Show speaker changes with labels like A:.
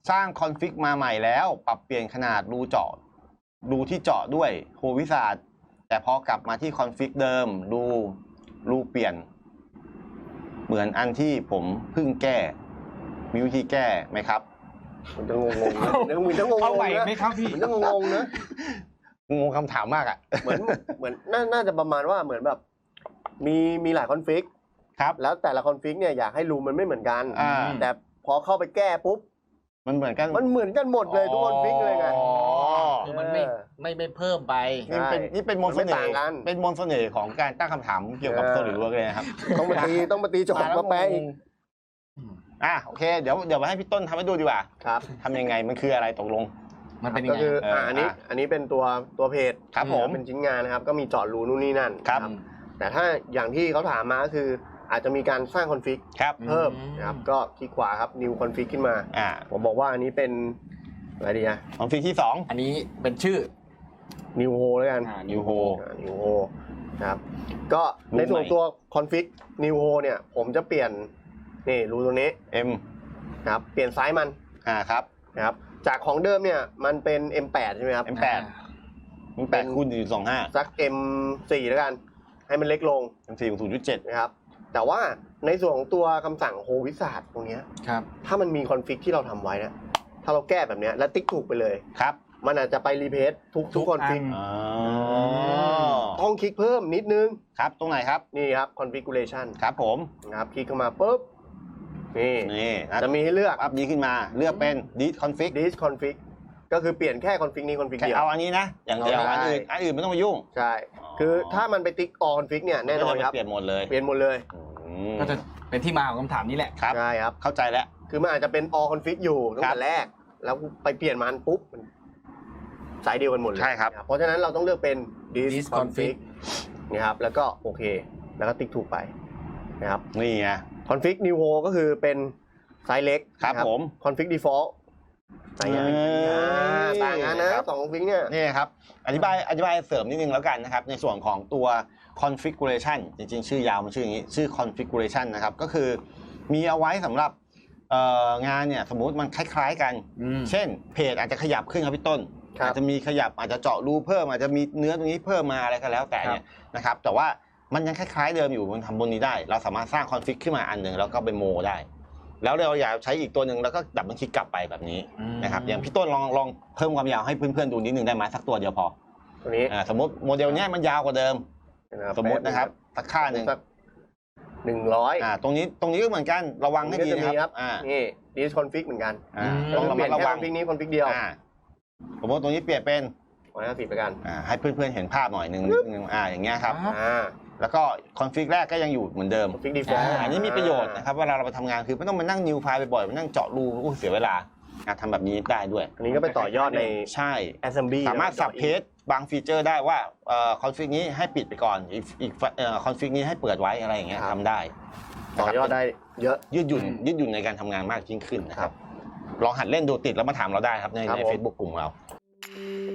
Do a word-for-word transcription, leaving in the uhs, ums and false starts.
A: สร้างคอนฟิกมาใหม่แล้วปรับเปลี่ยนขนาดรูเจาะรูที่เจาะด้วยโฮวิสาดแต่พอกลับมาที่คอนฟิกเดิมรูรูเปลี่ยนเหมือนอันที่ผมเพิ่งแก้มีวิธีแก้ไหมครับ
B: มันจะงงงนะเดี๋ยวมึงจะงงง
C: เอาไหว
B: นะ
C: ไหมครับพี่
B: มันจะงงงนะ
A: งงคำถามมากอ่ะ
B: เหมือนเหมือนน่าน่าจะประมาณว่าเหมือนแบบ มีมีหลายคอนฟิก
A: ครับ
B: แล้วแต่ละคอนฟิกเนี่ยอยากให้รูมันไม่เหมือนกัน
A: อ่า
B: แต่พอเข้าไปแก้ปุ๊บ
A: มันเหมือนกัน
B: มันเหมือนกันหมดเลยทุกคอนฟิกเลยไง
A: อ๋อ
C: คือมันไม่ไม่ไม่เพิ่มไป
A: นี่เป็นนี่เป็นมนต์เส
B: มันไม่
A: น่
B: ต่าง
A: ห์
B: กัน
A: เป็นมนต์เสน่ห์ของการตั้งคำถามเกี่ยวกับ
B: เออ
A: โซลิดเวิร์กเลยนะครับ
B: ต้องมาตีต้องมาตีโจทย์มาแปลอีก
A: อ่ะโอเคเดี๋ยวเดี๋ยวมาให้พี่ต้นทำให้ดูดีกว่า
B: ครับ
A: ทำยังไงมันคืออะไรตกลง
C: มันเป็นยั
B: ก็
C: งไง
B: คือ
A: เอออ่
B: อ่าอันนี้
A: อ่ะ
B: อันนี้เป็นตัวตัวเพจ
A: ครับผม
B: เป็นชิ้นงานนะครับ ก็มีเจาะรูนู่นนี่นั่น
A: ครับ
B: นะแต่ถ้าอย่างที่เขาถามมาก็คือ อาจจะมีการสร้างคอนฟิก
A: ครับ
B: เพิ่ม
C: อืม
B: นะครับก็คลิกขวาครับ new config ขึ้นมา
A: อ่า
B: ผมบอกว่าอันนี้เป็นอะไรดีอะ
A: คอนฟิกที่สอง
C: อันนี้เป็นชื่อ
B: new ho แล้วกัน
C: อ่า
A: New Ho
B: อ่า new ho นะครับก็ใน
A: รูป
B: ส่วน
A: ใหม่
B: ตัว config new ho เนี่ย ผมจะเปลี่ยนนี่รูตัวนี้
A: M
B: นะครับเปลี่ยนไซส์มัน
A: อ่าครับ
B: นะครับจากของเดิมเนี่ยมันเป็น เอ็ม แปด ใช่ไหมครับ
A: เอ็ม แปด มันแปดคูณหนึ่งสองห้า
B: สัก เอ็ม โฟร์ แล้วกัน ให้มันเล็กลง
A: เอ็มสี่ศูนย์จุดเจ็ด
B: นะครับแต่ว่าในส่วนของตัวคำสั่งโฮวิสาดตรงเนี้ย
C: ครับ
B: ถ้ามันมีคอนฟิกที่เราทำไว้นะถ้าเราแก้แบบเนี้ยแล้วติ๊กถูกไปเลย
A: ครับ
B: มันอาจจะไปรีเพสทุกทุกคอนฟิก
A: อ๋อ
B: ต้องคลิกเพิ่มนิดนึง
A: ครับตรงไหนครับ
B: นี่ครับ configuration
A: ครับผม
B: นะครับคลิกเข้ามาปุ๊บนี่
A: นี่นะ
B: จะมีให้เลือก
A: อัพนี้ขึ้นมาเลือกเป็น delete config
B: this config ก็คือเปลี่ยนแค่คอนฟิกนี้คอนฟิก
A: แค่
B: เดียว
A: เอาอันนี้นะ อย่างเดียว
B: เอาได้
A: อันอื่นอันอื่นไม่ต้องมายุ่ง
B: ใช่ คือถ้ามันไปติ๊ก all config เนี่ยแน่นอนครับ
A: เปลี่ยนหมดเลย
B: เปลี่ยนหมดเลย
A: อืม
C: ก็จะเป็นที่มาของคำถามนี้แหละ
A: ครับ
B: ใช่ครับ
A: เข้าใจแล้ว
B: คือมันอาจจะเป็น all config อยู่ตั้ง
A: ครั
B: แต่
A: บ
B: แรก แล้วไปเปลี่ยนมันปุ๊บมันสายเดียวกันหมดเลย
A: ใช่ครับ
B: เพราะฉะนั้นเราต้องเลือกเป็น this
C: this
B: config
C: config
B: นี่ครับแล้วก็โอเค แล้วก็ติ๊กถูกไปนะครับ
A: นี่ไง
B: config new ho ก็คือเป็นไซส์เล็ก
A: ครับ
B: นะ
A: ผม
B: config default ไซส์ใหญ่
A: เออ
B: อ่าต่างกันนะครับ สอง config เนี่ย
A: นี่ครับ อธิบายอธิบายเสริมนิดนึงแล้วกันนะครับ ในส่วนของตัว configuration จริงๆ ชื่อยาวมันชื่ออย่างนี้ ชื่อ configuration นะครับ ก็คือมีเอาไว้สำหรับเอ่องานเนี่ย สมมุติมันคล้ายๆกัน
C: อืม
A: เช่น เพจอาจจะขยับขึ้นครับพี่ต้น
B: ครับ
A: อาจจะมีขยับอาจจะเจาะรูเพิ่มอาจจะมีเนื้อตรงนี้เพิ่มมาอะไรก็แล้วแต่เนี่ยนะครับ แต่ว่ามันยังคล้ายๆเดิมอยู่มันทำบนนี้ได้ เราสามารถสร้างคอนฟิกขึ้นมาอันหนึ่งแล้วก็ไปโมได้ แล้วเราอยากใช้อีกตัวหนึ่งแล้วก็ดับเบิลคลิกกลับไปแบบนี้
C: อืม
A: นะครับอย่างพี่ต้นลองลองเพิ่มความยาวให้เพื่อนๆดูนิดนึงได้ไหมสักตัวเดียวพอ
B: ตัวนี้
A: อ่าสมมติโมเดลเนี้ยมันยาวกว่าเดิม สมมตินะครับสักค่าหนึ่ง
B: สักหนึ่งร้อย
A: อ่าตรงนี้ตรงนี้ก็เหมือนกันระวังให้ดี
B: ก็จะ
A: นะ
B: มี
A: ค
B: ค
A: รั
B: รั
A: บบ อ่า
B: นี่ this config เหมือนกัน
A: อ่า
C: อืม
A: ต้องระ
B: เป
A: มั
B: ลี่
A: ด
B: ยน
A: ระ
B: แค่
A: วั
B: ค
A: ง
B: อนฟิกนี้คอนฟิกเดียว
A: อ่าสมมติตรงนี้เปลี่ยนเป็น
B: ร้อยห้าสิบไปกัน
A: อ่าให้เพื่อนๆเห็นภาพหน่อยหนึ่งหนึ่งอ่าอย่างเงี้ยครับ
C: ครับ
B: อ่า
A: แล้วก็คอนฟิกแรกก็ยังอยู่เหมือนเดิม
B: config default
A: อันนี้มีประโยชน์นะครับเวลาเราไปทำงานคือไม่ต้องมานั่งนิวไฟล์บ่อยๆมานั่งเจาะรูอู้เสียเวลาอ่ะทำแบบนี้ได้ด้วย
B: อันนี้ก็ไปต่อยอดใน
A: ใช่
B: assembly
A: สามารถสับเพจบางฟีเจอร์ได้ว่าเอ่อคอนฟิกนี้ให้ปิดไปก่อนอีกอีกเอ่อคอนฟิกนี้ให้เปิดไว้อะไรอย่างเงี้ยทำได้
B: ต่อยอดได้เยอะ
A: ยืดหยุ่นยืดหยุ่นในการทำงานมากยิ่งขึ้นนะครับลองหัดเล่นดูติดแล้วมาถามเราได้ครับใน
B: ครับ
A: ใน
B: ผม
A: เฟซบุ๊กกลุ่มเรา